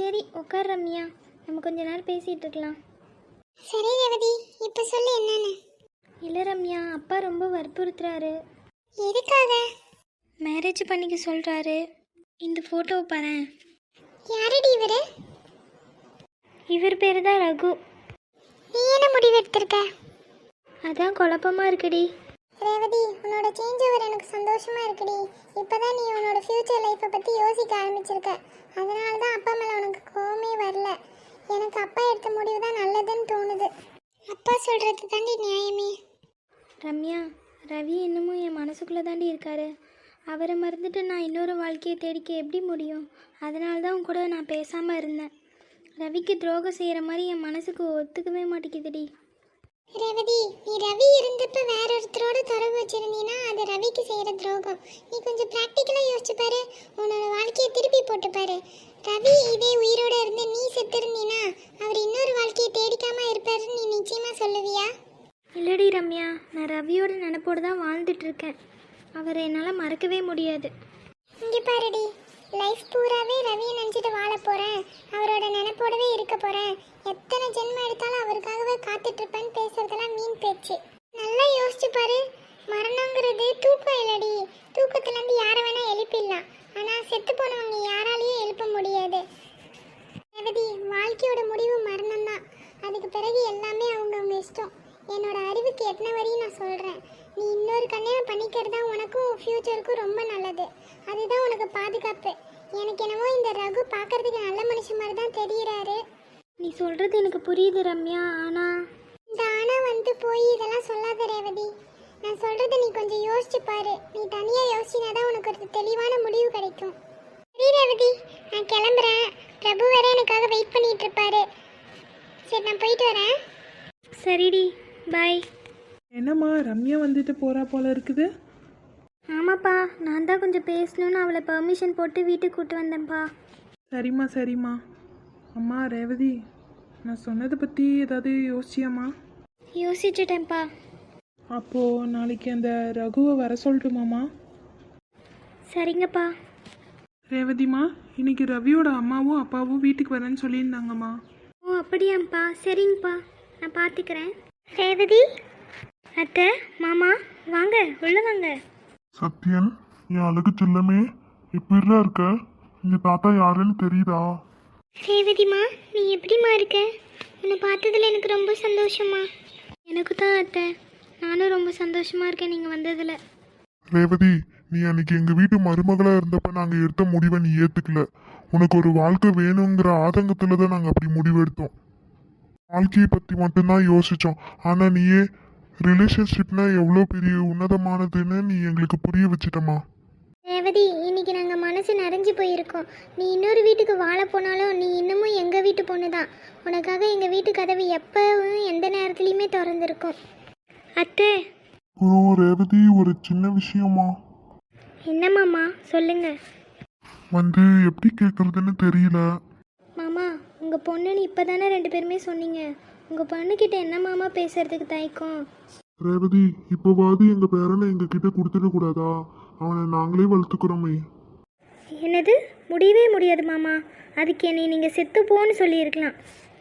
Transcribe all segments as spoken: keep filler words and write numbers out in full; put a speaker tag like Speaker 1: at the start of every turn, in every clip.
Speaker 1: சரி உட்கார் ரம்யா, நம்ம கொஞ்ச நேரம் பேசிகிட்டு இருக்கலாம்.
Speaker 2: சரி ரேவதி, இப்போ சொல்லு என்னன்னு.
Speaker 1: இல்லை ரம்யா, அப்பா ரொம்ப வற்புறுத்துறாரு.
Speaker 2: எதுக்காக?
Speaker 1: மேரேஜ் பண்ணிக்க சொல்கிறாரு. இந்த ஃபோட்டோவை பாரேன்.
Speaker 2: யாரடி இவரு?
Speaker 1: இவர் பேர் தான் ரகு.
Speaker 2: நீ என்ன முடிவு எடுத்திருக்க?
Speaker 1: அதான் குழப்பமாக இருக்குடி.
Speaker 2: ரேவதி, உன்னோட சேஞ்ச் ஓவர் எனக்கு சந்தோஷமா இருக்குடி. இப்போதான் நீ உன்னோட ஃப்யூச்சர் லைஃப்பை பற்றி யோசிக்க ஆரம்பிச்சிருக்க. அதனால தான் அப்பா மேலே உனக்கு கோவமே வரல. எனக்கு அப்பா எடுத்த முடிவு தான் நல்லதுன்னு தோணுது. அப்பா சொல்கிறது தாண்டி நியாயமே.
Speaker 1: ரம்யா, ரவி இன்னமும் என் மனசுக்குள்ளே தாண்டி இருக்காரு. அவரை மறந்துட்டு நான் இன்னொரு வாழ்க்கையை தேடிக்க எப்படி முடியும்? அதனால தான் உன் கூட நான் பேசாமல் இருந்தேன். ரவிக்கு துரோகம் செய்கிற மாதிரி என் மனசுக்கு ஒத்துக்கவே மாட்டேங்குதுடி.
Speaker 2: ரேவதி, நீ ரவி இருந்தப்ப வேற ஒருத்தரோட தொடர்பு வச்சிருந்தீன்னா அது ரவிக்கு செய்கிற துரோகம். நீ கொஞ்சம் ப்ராக்டிக்கலாக யோசிச்சு பாரு. உன்னோட வாழ்க்கையை திருப்பி போட்டு பாரு. ரவி இதே உயிரோட இருந்து நீ செத்துருந்தீன்னா அவர் இன்னொரு வாழ்க்கையை தேடிக்காம இருப்பாருன்னு நீ நிச்சயமா சொல்லுவியா?
Speaker 1: இல்லடி ரம்யா, நான் ரவியோட நினப்போடு தான் வாழ்ந்துட்டுருக்கேன். அவரை என்னால் மறக்கவே முடியாது.
Speaker 2: இங்கே பாருடி, லைஃப் பூராவே ரவியை நினச்சிட்டு வாழ போகிறேன், அவரோட நினைப்போடவே இருக்க போகிறேன், எத்தனை ஜென்மம் எடுத்தாலும் அவருக்காகவே காத்துட்ருப்பேன்னு பேசுறதெல்லாம் மீன் பேச்சு. நல்லா யோசிச்சு பாரு. மரணங்கிறது தூக்கம் இல்லடி. தூக்கத்துலேருந்து யாரை வேணால் எழுப்பிடலாம், ஆனால் செத்து போனவங்க யாராலையும் எழுப்ப முடியாது. ரேவதி, வாழ்க்கையோட முடிவு மரணம் தான். அதுக்கு பிறகு எல்லாமே அவங்கவுங்க இஷ்டம். என்னோட அறிவுக்கு எத்தனை வரையும் நான் சொல்கிறேன். நீ இன்னொரு கல்யாணம் பண்ணிக்கிறது தான் உனக்கும் ஃப்யூச்சருக்கும் ரொம்ப நல்லது. அதுதான் உனக்கு பாதுகாப்பு. எனக்கு என்னவோ இந்த ரகு பார்க்கறதுக்கு நல்ல மனுஷன் மாதிரி தான் தெரிகிறாரு.
Speaker 1: நீ சொல்கிறது எனக்கு புரியுது ரம்யா, ஆனால்
Speaker 2: இந்த ஆனால் வந்து போய் இதெல்லாம் சொல்லாத ரேவதி. நான் சொல்கிறத நீ கொஞ்சம் யோசிச்சு பாரு. நீ தனியாக யோசிச்சினா தான் உனக்கு ஒரு தெளிவான முடிவு கிடைக்கும். சரி ரேவதி, நான் கிளம்புறேன். பிரபு வேற எனக்காக வெயிட் பண்ணிட்டு இருப்பாரு. சரி, நான் போயிட்டு வரேன்.
Speaker 1: சரிடி, பாய்.
Speaker 3: என்னம்மா ரம்யா வந்துட்டு போகிறா போல இருக்குது?
Speaker 1: ஆமாப்பா, நான் தான் கொஞ்சம் பேசணுன்னு அவளை பெர்மிஷன் போட்டு வீட்டுக்கு கூப்பிட்டு வந்தேன்ப்பா.
Speaker 3: சரிம்மா சரிம்மா. அம்மா ரேவதி, நான் சொன்னதை பற்றி ஏதாவது யோசிச்சியாம்மா?
Speaker 1: யோசிச்சுட்டேன்ப்பா.
Speaker 3: அப்போது நாளைக்கு அந்த ரகுவை வர சொல்லட்டுமாம்மா?
Speaker 1: சரிங்கப்பா.
Speaker 3: ரேவதிம்மா, இன்னைக்கு ரவியோட அம்மாவும் அப்பாவும் வீட்டுக்கு வரேன்னு சொல்லியிருந்தாங்கம்மா.
Speaker 1: ஓ அப்படியாம்ப்பா, சரிங்கப்பா, நான் பார்த்துக்கிறேன்.
Speaker 2: ரேவதி,
Speaker 1: அத்தை, மாமா, வாங்க உள்ள வாங்க.
Speaker 4: சத்யன், என் அழகு செல்லமே, எப்படிடா இருக்க? இந்த தாத்தா யாருன்னு தெரியுதா?
Speaker 2: ரேவதிமா, நீ எப்படிமா இருக்க? உன்னை பார்த்ததுல எனக்கு ரொம்ப சந்தோஷமா.
Speaker 1: எனக்கு தான் அத்தை, நானும் ரொம்ப சந்தோஷமாக இருக்கேன் நீங்கள் வந்ததில்.
Speaker 4: ரேவதி, நீ அன்னைக்கு எங்க வீட்டு மருமகளா இருந்தப்ப நாங்க எடுத்த முடிவை நீ ஏத்துக்கல. உனக்கு ஒரு வாழ்க்கை வேணுங்கிற ஆதங்கத்துல தான் நாங்க அப்படி முடிவெடுத்தோம். வாழ்க்கையை பத்தி மட்டும்தான் யோசிச்சோம். ஆனா நீயே ரிலேஷன்ஷிப்னா எவ்வளோ பெரிய உன்னதமானதுன்னு நீ எங்களுக்கு புரிய வச்சிட்டமா.
Speaker 2: ரேவதி, இன்னைக்கு நாங்கள் மனசு நிறைஞ்சு போயிருக்கோம். நீ இன்னொரு வீட்டுக்கு வாழ போனாலும் நீ இன்னமும் எங்கள் வீட்டு பொண்ணு தான். உனக்காக எங்கள் வீட்டு கதவு எப்பவும் எந்த நேரத்துலையுமே திறந்துருக்கும்.
Speaker 1: அத்தை.
Speaker 4: குரு ரேவதி, ஒரு சின்ன விஷயமா.
Speaker 1: என்ன மாமா, சொல்லுங்க.
Speaker 4: வந்து எப்படி கேட்கறதுன்னு தெரியல.
Speaker 1: மாமா, உங்கள் பொண்ணுன்னு இப்போ தானே ரெண்டு பேருமே சொன்னீங்க. உங்கள் பொண்ணுக்கிட்ட என்ன மாமா பேசுறதுக்கு தயக்கம்?
Speaker 4: ரேவதி, இப்போவாது எங்க பேரனை எங்க கிட்ட கொடுத்துட கூடாதா? அவனை நாங்களே வளர்த்துக்கிறோமே.
Speaker 1: என்னது? முடியவே முடியாது மாமா. அதுக்கு என்னை நீங்கள் செத்து போன்னு சொல்லியிருக்கலாம்.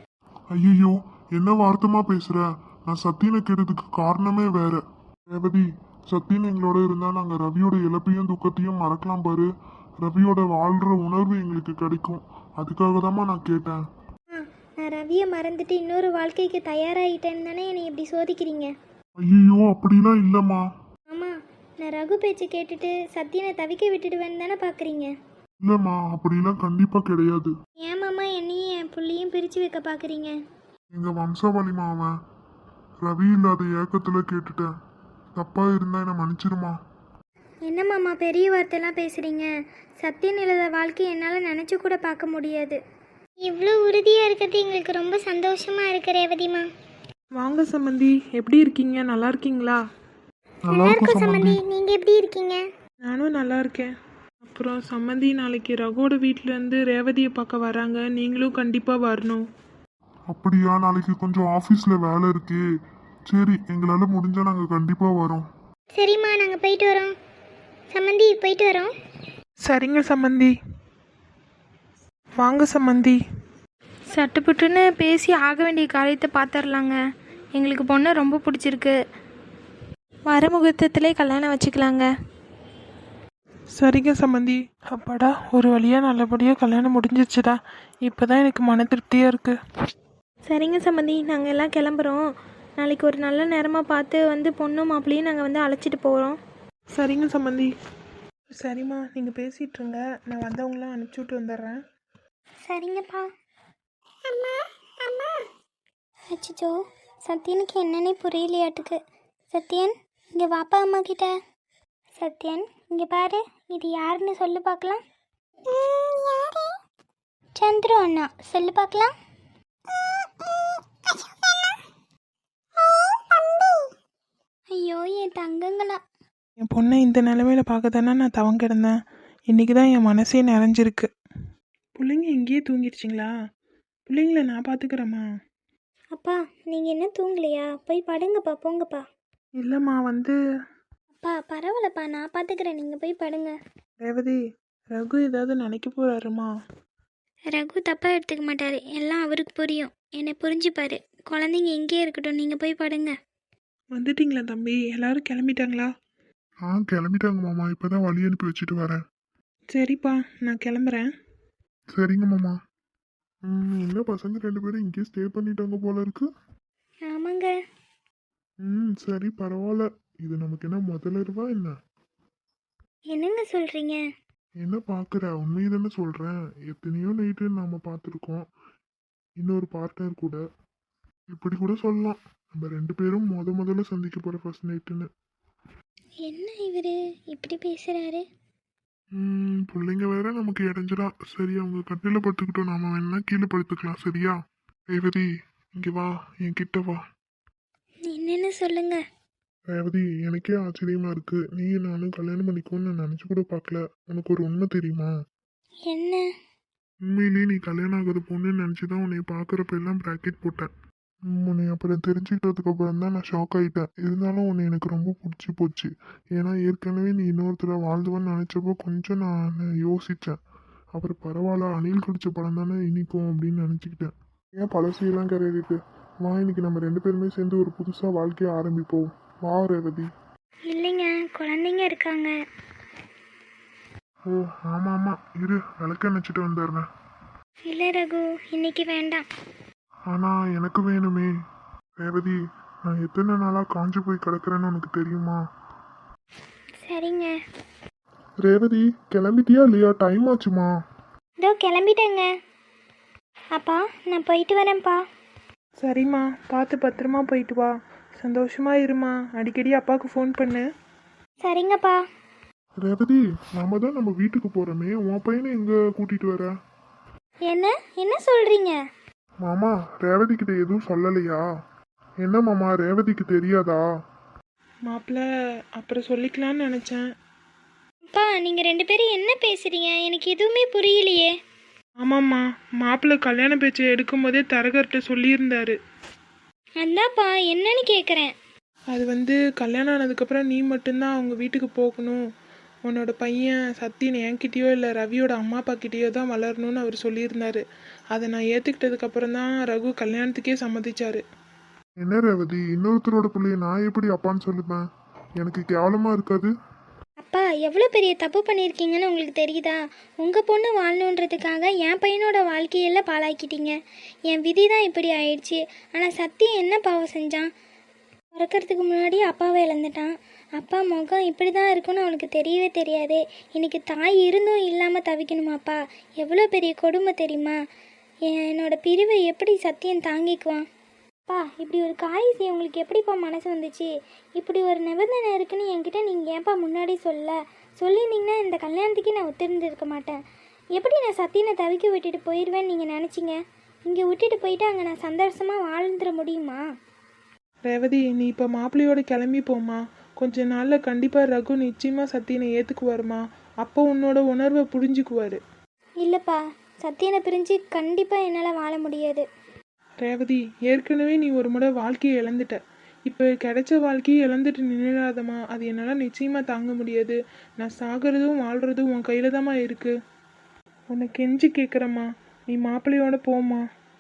Speaker 4: ஐயோ, என்ன வார்த்தமா பேசுற? நான் சத்தியனை கேட்டதுக்கு காரணமே வேற. ரேவதி, சத்தியன் எங்களோட இருந்தா நாங்க ரவியோட இழப்பையும் துக்கத்தையும் மறக்கலாம் பாரு. ரவியோட வாழ்ற உணர்வு எங்களுக்கு கிடைக்கும். அதுக்காக தாம்மா நான் கேட்டேன்.
Speaker 1: ஆ, நான் ரவியை மறந்துட்டு இன்னொரு வாழ்க்கைக்கு தயாராகிட்டேன்னு தானே என்னை இப்படி சோதிக்கிறீங்க.
Speaker 4: ஐயோ, அப்படிலாம் இல்லம்மா.
Speaker 1: மாமா, நான் ரகு பேச்சு கேட்டுட்டு சத்தியனை தவிக்க விட்டுடுவேன்னு தானே பார்க்குறீங்க.
Speaker 4: இல்லம்மா, அப்படிலாம் கண்டிப்பா கிடையாது.
Speaker 1: ஏன் மாமா என்னையும் என் புள்ளையும் பிரித்து வைக்க பார்க்குறீங்க?
Speaker 4: எங்க வம்சாவளிமா அவன். ரவி இல்லாத ஏக்கத்துல கேட்டுட்டேன். தப்பா இருந்தா என்ன மன்னிச்சிருமா.
Speaker 1: என்ன மாமா பெரிய வார்த்தைலாம் பேசுகிறீங்க? சத்தியன் இல்லாத வாழ்க்கையை என்னால் நினச்சி கூட பார்க்க முடியாது.
Speaker 2: இவ்வளோ உறுதியாக இருக்கிறது எங்களுக்கு ரொம்ப சந்தோஷமாக இருக்கு ரேவதிமா.
Speaker 3: வாங்க சம்மந்தி, எப்படி இருக்கீங்க? நல்லா இருக்கீங்களா?
Speaker 4: நல்லா இருக்கும் சம்பந்தி.
Speaker 2: நீங்கள் எப்படி இருக்கீங்க?
Speaker 3: நானும் நல்லா இருக்கேன். அப்புறம் சம்மந்தி, நாளைக்கு ரகுவோட வீட்டிலேருந்து ரேவதியை பார்க்க வராங்க. நீங்களும் கண்டிப்பாக வரணும்.
Speaker 4: அப்படியா? நாளைக்கு கொஞ்சம் ஆஃபீஸில் வேலை இருக்கு. சரி, எங்களால் முடிஞ்சால் நாங்கள் கண்டிப்பாக வரோம்.
Speaker 2: சரிம்மா, நாங்கள் போயிட்டு வரோம். சம்மந்தி, போயிட்டு வரோம்.
Speaker 3: சரிங்க சம்மந்தி. வாங்க சம்மந்தி.
Speaker 1: சட்டுப்புட்டுன்னு பேசி ஆக வேண்டிய காரியத்தை பார்த்துர்லாங்க. எங்களுக்கு பொண்ணை ரொம்ப பிடிச்சிருக்கு. வர முகூர்த்தத்திலே கல்யாணம் வச்சுக்கலாங்க.
Speaker 3: சரிங்க சம்மந்தி. அப்பாடா, ஒரு வழியாக நல்லபடியாக கல்யாணம் முடிஞ்சிருச்சுடா. இப்போ தான் எனக்கு மன திருப்தியாக இருக்குது.
Speaker 1: சரிங்க சம்மந்தி, நாங்கள் எல்லாம் கிளம்புறோம். நாளைக்கு ஒரு நல்ல நேரமாக பார்த்து வந்து பொண்ணும் மாப்பிள்ளையும் நாங்கள் வந்து அழைச்சிட்டு போகிறோம்.
Speaker 3: சரிங்க சம்மந்தி. சரிம்மா, நீங்கள் பேசிகிட்டு இருங்க, நான் வந்தவங்களாம் அனுப்பிச்சி விட்டு வந்துடுறேன்.
Speaker 1: சரிங்கப்பா.
Speaker 2: அம்மா அம்மா
Speaker 1: அச்சோ, சத்யனுக்கு என்னன்னே புரியலையாட்டுக்கு. சத்யன், இங்கே வாப்பா அம்மா கிட்ட. சத்யன், இங்கே பாரு, இது யாருன்னு சொல்லு பார்க்கலாம்.
Speaker 2: ம், யாரு?
Speaker 1: சந்துரு அண்ணா, சொல்லு பார்க்கலாம். ஐயோ, என் தங்கங்களா.
Speaker 3: என் பொண்ணை இந்த நிலமையில பார்க்க தானே நான் தவங்க கிடந்தேன். இன்றைக்கி தான் என் மனசே நிறைஞ்சிருக்கு. பிள்ளைங்க இங்கேயே தூங்கிடுச்சிங்களா? பிள்ளைங்கள நான் பார்த்துக்கிறேம்மா.
Speaker 1: அப்பா, நீங்கள் என்ன தூங்கலையா? போய் படுங்கப்பா, போங்கப்பா.
Speaker 3: இல்லைம்மா, வந்து
Speaker 1: அப்பா பரவாயில்லப்பா, நான் பார்த்துக்கிறேன், நீங்கள் போய் படுங்க.
Speaker 3: ரேவதி, ரகு ஏதாவது நினைக்க போகிறாருமா?
Speaker 1: ரகு தப்பாக எடுத்துக்க மாட்டார், எல்லாம் அவருக்கு புரியும். என்னை புரிஞ்சுப்பாரு. குழந்தைங்க எங்கேயே இருக்கட்டும், நீங்கள் போய் படுங்க.
Speaker 3: வந்துட்டீங்களா தம்பி? எல்லாரும் கிளம்பிட்டாங்களா?
Speaker 4: ஆ கிளம்பிட்டாங்க மாமா, இப்பதான் வழி அனுப்பி வச்சுட்டு வரேன்.
Speaker 3: சரிப்பா, நான் கிளம்புறேன்.
Speaker 4: சரிங்க மாமா. ம், என்ன பசங்க ரெண்டு பேரும் இங்கேயே ஸ்டே பண்ணிட்டாங்க போல இருக்கு.
Speaker 1: ஆமாங்க.
Speaker 4: ம், சரி பரவாயில்ல. இது நமக்கு என்ன முதலிரவா என்ன?
Speaker 1: என்னங்க சொல்கிறீங்க?
Speaker 4: என்ன பார்க்குற, உண்மையை தானே சொல்கிறேன். எத்தனையோ நைட்டு நாம் பார்த்துருக்கோம், இன்னொரு பார்ட்னர் கூட. இப்படி கூட சொல்லலாம், நம்ம ரெண்டு பேரும் முத முதல்ல சந்திக்க போகிற ஃபர்ஸ்ட் நைட்டுன்னு.
Speaker 1: என்ன இவர் இப்படி பேசுகிறாரு?
Speaker 4: ம், பிள்ளைங்க வேற நமக்கு இடைஞ்சிடா. சரி, அவங்க கட்டில படுத்துக்கிட்டோம், நாம வேணா கீழே படுத்துக்கலாம். சரியா? ரேவதி, இங்கே வா, என் கிட்ட வா.
Speaker 1: என்னென்னு சொல்லுங்க.
Speaker 4: ரேவதி, எனக்கே ஆச்சரியமா இருக்கு. நீ நானும் கல்யாணம் பண்ணிக்கோன்னு நான் நினச்சி கூட பார்க்கல. உனக்கு ஒரு உண்மை தெரியுமா?
Speaker 1: என்ன?
Speaker 4: உண்மையிலேயே நீ கல்யாணம் ஆகாத பொண்ணுன்னு நினச்சி தான் உன்னை பார்க்குறப்ப எல்லாம் ப்ராக்கெட் போட்டேன். ம், உன்னை அப்புறம் தெரிஞ்சுக்கிட்டதுக்கு அப்புறம் தான் நான் ஷாக் ஆகிட்டேன். இருந்தாலும் உன்னை எனக்கு ரொம்ப பிடிச்சி போச்சு. ஏன்னா ஏற்கனவே நீ இன்னொருத்தர வாழ்ந்துவன்னு நினச்சப்போ கொஞ்சம் நான் யோசித்தேன். அப்புறம் பரவாயில்ல, அணில் குடிச்ச படம் தானே இனிக்கும் அப்படின்னு நினச்சிக்கிட்டேன். ஏன் பழசையெல்லாம் கிடையாது. வா, இன்னைக்கு நம்ம ரெண்டு பேருமே சேர்ந்து ஒரு புதுசாக வாழ்க்கையை ஆரம்பிப்போம். வா ரேவதி.
Speaker 1: இல்லைங்க, குழந்தைங்க இருக்காங்க.
Speaker 4: ஓ ஆமாம் ஆமாம், இரு விளக்க நினச்சிட்டு வந்துடுறேன்.
Speaker 1: இல்லை ரகு, இன்னைக்கு வேண்டாம்.
Speaker 4: ஆனால் எனக்கு வேணுமே. ரேவதி, நான் எத்தனை நாளாக காஞ்சி போய் கிடக்குறேன்னு உனக்கு தெரியுமா?
Speaker 1: சரிங்க.
Speaker 4: ரேவதி, கிளம்பிட்டியா இல்லையா? டைம் ஆச்சுமா.
Speaker 1: இதோ கிளம்பிட்டேங்க. அப்பா, நான் போயிட்டு வரேன்ப்பா.
Speaker 3: சரிம்மா, பார்த்து பத்திரமா போயிட்டு வா. சந்தோஷமா இருமா. அடிக்கடி அப்பாவுக்கு ஃபோன் பண்ணு.
Speaker 1: சரிங்கப்பா.
Speaker 4: ரேவதி, நாம தான் நம்ம வீட்டுக்கு போகிறோமே, உன் பையனை எங்கே கூட்டிகிட்டு வர?
Speaker 1: என்ன என்ன சொல்கிறீங்க?
Speaker 4: மாமா, ரேவதி கிட்ட எதுவும் சொல்லலையா? என்ன மாமா, ரேவதிக்கு தெரியாதா?
Speaker 3: மாப்பிள்ள அப்புறம் சொல்லிக்கலான்னு நினச்சேன்.
Speaker 1: அப்பா, நீங்கள் ரெண்டு பேரும் என்ன பேசுகிறீங்க? எனக்கு எதுவுமே புரியலையே.
Speaker 3: ஆமாம்மா, மாப்பிள்ளை கல்யாண பேச்சை எடுக்கும் போதே தரகர்கிட்ட சொல்லியிருந்தாரு.
Speaker 1: அந்தாப்பா, என்னன்னு கேட்குறேன்.
Speaker 3: அது வந்து கல்யாணம் ஆனதுக்கப்புறம் நீ மட்டும்தான் அவங்க வீட்டுக்கு போகணும், உன்னோட பையன் சத்தியன் என்கிட்டயோ இல்லை ரவியோட அம்மா அப்பா கிட்டேயோ தான் வளரணும்னு அவர் சொல்லியிருந்தாரு. அதை நான் ஏற்றுக்கிட்டதுக்கப்புறம் தான் ரகு கல்யாணத்துக்கே சம்மதிச்சாரு.
Speaker 4: என்ன ரேவதி, இன்னொருத்தரோட பிள்ளைய நான் எப்படி அப்பான்னு சொல்லுவேன்? எனக்கு கேவலமாக இருக்காது?
Speaker 1: அப்பா, எவ்வளோ பெரிய தப்பு பண்ணியிருக்கீங்கன்னு உங்களுக்கு தெரியுதா? உங்கள் பொண்ணு வாழணுன்றதுக்காக என் பையனோட வாழ்க்கையெல்லாம் பாழாக்கிட்டீங்க. என் விதி தான் இப்படி ஆயிடுச்சு. ஆனால் சத்தியம் என்ன பாவம் செஞ்சான்? பிறக்கிறதுக்கு முன்னாடி அப்பாவை இழந்துட்டான். அப்பா முகம் இப்படி தான் இருக்குன்னு அவனுக்கு தெரியவே தெரியாது. இன்னைக்கு தாய் இருந்தும் இல்லாமல் தவிக்கணுமாப்பா? எவ்வளோ பெரிய கொடுமை தெரியுமா? என்னோட பிரிவை எப்படி சத்தியம் தாங்கிக்குவான்? அப்பா, இப்படி ஒரு காரியம் செய்ய உங்களுக்கு எப்படிப்பா மனசு வந்துச்சு? இப்படி ஒரு நிபந்தனை இருக்குன்னு என்கிட்ட நீங்கள் ஏன்ப்பா முன்னாடி சொல்ல சொல்லியிருந்தீங்கன்னா இந்த கல்யாணத்துக்கே நான் ஒத்துருந்துருக்க மாட்டேன். எப்படி நான் சத்தியனை தவிக்க விட்டுட்டு போயிடுவேன்னு நீங்கள் நினச்சிங்க? இங்கே விட்டுட்டு போயிட்டு அங்கே நான் சந்தோஷமாக வாழ்ந்துட முடியுமா?
Speaker 3: ரேவதி, நீ இப்போ மாப்பிள்ளையோட கிளம்பி போமா. கொஞ்ச நாளில் கண்டிப்பாக ரகு நிச்சயமாக சத்தியனை ஏற்றுக்குவாருமா. அப்போ உன்னோட உணர்வை புரிஞ்சுக்குவார்.
Speaker 1: இல்லைப்பா, சத்தியனை பிரிஞ்சு கண்டிப்பாக என்னால் வாழ முடியாது.
Speaker 3: ரேவதி, ஏற்கனவே நீ ஒரு முறை வாழ்க்கையை இழந்துட்ட. இப்போ கிடைச்ச வாழ்க்கையை இழந்துட்டு நின்றுடாதம்மா. அது என்னால் நிச்சயமாக தாங்க முடியாது. நான் சாகிறதும் வாழ்கிறதும் உன் கையில் தாம்மா இருக்குது. உன்னை கெஞ்சி கேட்குறம்மா, நீ மாப்பிள்ளையோட போம்மா.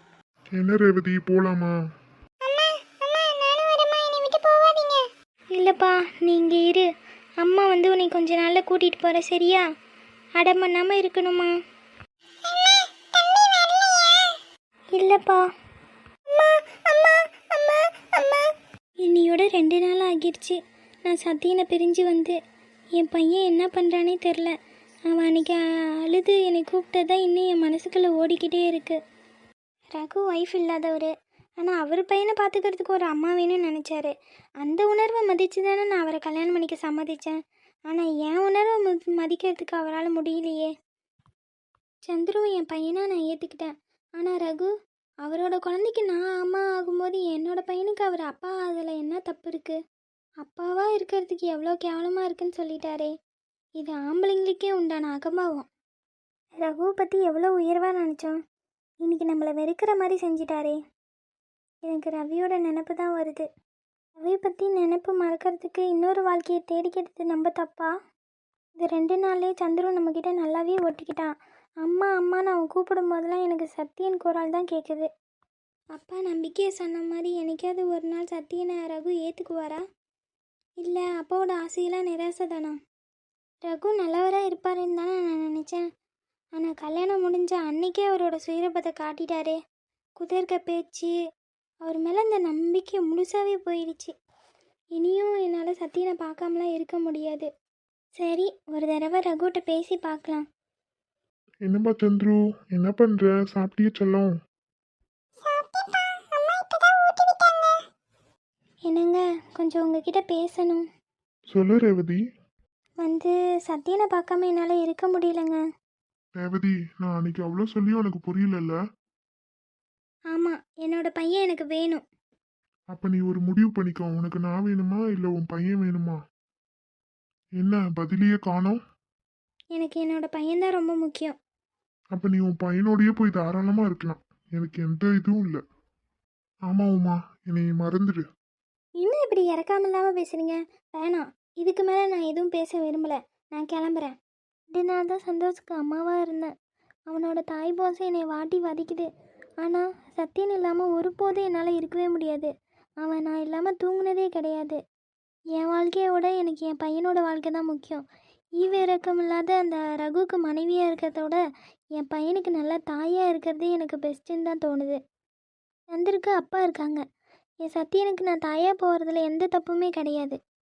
Speaker 4: என்ன ரேவதி, போலாமா?
Speaker 2: அம்மா அம்மா நானும் வரேம்மா, என்னை விட்டு போகாதீங்க.
Speaker 1: இல்லைப்பா நீ இங்கே இரு. அம்மா வந்து உன்னை கொஞ்ச நாளில் கூட்டிகிட்டு போகிற சரியா? அடம் பண்ணாமல் இருக்கணுமா?
Speaker 2: அம்மா தம்பி வரலையா?
Speaker 1: இல்லைப்பா.
Speaker 2: அம்மா அம்மா அம்மா அம்மா.
Speaker 1: இன்னையோட ரெண்டு நாள் ஆகிடுச்சு நான் சத்தியனை பிரிஞ்சு வந்து. என் பையன் என்ன பண்ணுறானே தெரில. அவன் அன்றைக்கி அழுது என்னை கூப்பிட்டதான் இன்னும் என் மனசுக்குள்ளே ஓடிக்கிட்டே இருக்குது. ரகு ஒய்ஃப் இல்லாதவர், ஆனால் அவர் பையனை பார்த்துக்கிறதுக்கு ஒரு அம்மா வேணும்னு நினச்சாரு. அந்த உணர்வை மதித்து தானே நான் அவரை கல்யாணம் பண்ணிக்க சம்மதித்தேன். ஆனால் என் உணர்வை ம மதிக்கிறதுக்கு அவரால் முடியலையே. சந்துருவை என் பையனாக நான் ஏற்றுக்கிட்டேன். ஆனால் ரகு அவரோட குழந்தைக்கு நான் அம்மா ஆகும்போது என்னோட பையனுக்கு அவர் அப்பா அதில் என்ன தப்பு இருக்குது? அப்பாவாக இருக்கிறதுக்கு எவ்வளோ கேவலமாக இருக்குன்னு சொல்லிட்டாரே. இது ஆம்பளைங்களுக்கே உண்டான அகம்பாவம். ரகுவை பற்றி எவ்வளோ உயர்வாக நினச்சோம், இன்னைக்கு நம்மளை வெறுக்கிற மாதிரி செஞ்சிட்டாரே. எனக்கு ரவியோட நினப்பு தான் வருது. ரவியை பற்றி நினப்பு மறக்கிறதுக்கு இன்னொரு வாழ்க்கையை தேடிக்கிறது நம்ம தப்பா? இந்த ரெண்டு நாள்லேயே சந்துரு நம்மக்கிட்ட நல்லாவே ஒட்டிக்கிட்டான். அம்மா அம்மான்னு அவன் கூப்பிடும் போதெல்லாம் எனக்கு சத்தியன் குரல் தான் கேட்குது. அப்பா நம்பிக்கையை சொன்ன மாதிரி என்னைக்காவது ஒரு நாள் சத்தியனை ரகு ஏற்றுக்குவாரா? இல்லை அப்பாவோட ஆசையெல்லாம் நிராசை தானா? ரகு நல்லவராக இருப்பாருன்னு தானே நான் நினச்சேன். ஆனால் கல்யாணம் முடிஞ்ச அன்னைக்கே அவரோட சுயரூபத்தை காட்டிட்டாரே. குதிர்க்க பேச்சு, அவர் மேலே இந்த நம்பிக்கை முழுசாகவே போயிடுச்சு. இனியும் என்னால் சத்தியனை பார்க்காமலாம் இருக்க முடியாது. சரி, ஒரு தடவை ரகுட்ட பேசி பார்க்கலாம்.
Speaker 4: என்னப்பா சந்துரு, என்ன பண்ற? சாப்பிட்டியே செல்லம்?
Speaker 2: சாப்பிட்டேன்ப்பா, அம்மா இப்பதான் ஊட்டி விட்டாங்க.
Speaker 1: என்னங்க, கொஞ்சம் உங்ககிட்ட பேசணும்.
Speaker 4: சொல்லு ரேவதி.
Speaker 1: வந்து சத்தியனை பார்க்காம என்னால் இருக்க முடியலங்க.
Speaker 4: ரேவதி, நான் அன்னைக்கு அவ்வளோ சொல்லி உனக்கு புரியலல்ல?
Speaker 1: ஆமாம், என்னோட பையன் எனக்கு வேணும்.
Speaker 4: அப்ப நீ ஒரு முடிவு பண்ணிக்கோ. உனக்கு நான் வேணுமா இல்லை உன் பையன் வேணுமா? என்ன பதிலையே காணோம்?
Speaker 1: எனக்கு என்னோட பையன்தான் ரொம்ப முக்கியம்.
Speaker 4: அப்ப நீ உன் பையனோடயே போய் தாராளமா இருக்கலாம். எனக்கு எந்த இதுவும் இல்லை. ஆமா உமா, என்னை மறந்துடு.
Speaker 1: இன்னும் இப்படி இறக்காம இல்லாமல் பேசுகிறீங்க. வேணாம், இதுக்கு மேலே நான் எதுவும் பேச விரும்பலை. நான் கிளம்புறேன். ரெண்டு நாள் தான் சந்தோஷுக்கு அம்மாவாக இருந்தேன். அவனோட தாய் போசம் என்னை வாட்டி வதைக்குது. ஆனால் சத்தியன் இல்லாமல் ஒருபோதும் என்னால் இருக்கவே முடியாது. அவன் நான் இல்லாமல் தூங்குனதே கிடையாது. என் வாழ்க்கையோட எனக்கு என் பையனோட வாழ்க்கை தான் முக்கியம். ஈவ இறக்கம் இல்லாத அந்த ரகுவுக்கு மனைவியாக இருக்கிறதோட என் பையனுக்கு நல்லா தாயாக இருக்கிறதே எனக்கு பெஸ்ட்டுன்னு தான் தோணுது. சந்திருக்கு அப்பா இருக்காங்க. என் சத்தியனுக்கு நான் தாயாக போகிறதுல எந்த தப்புமே கிடையாது.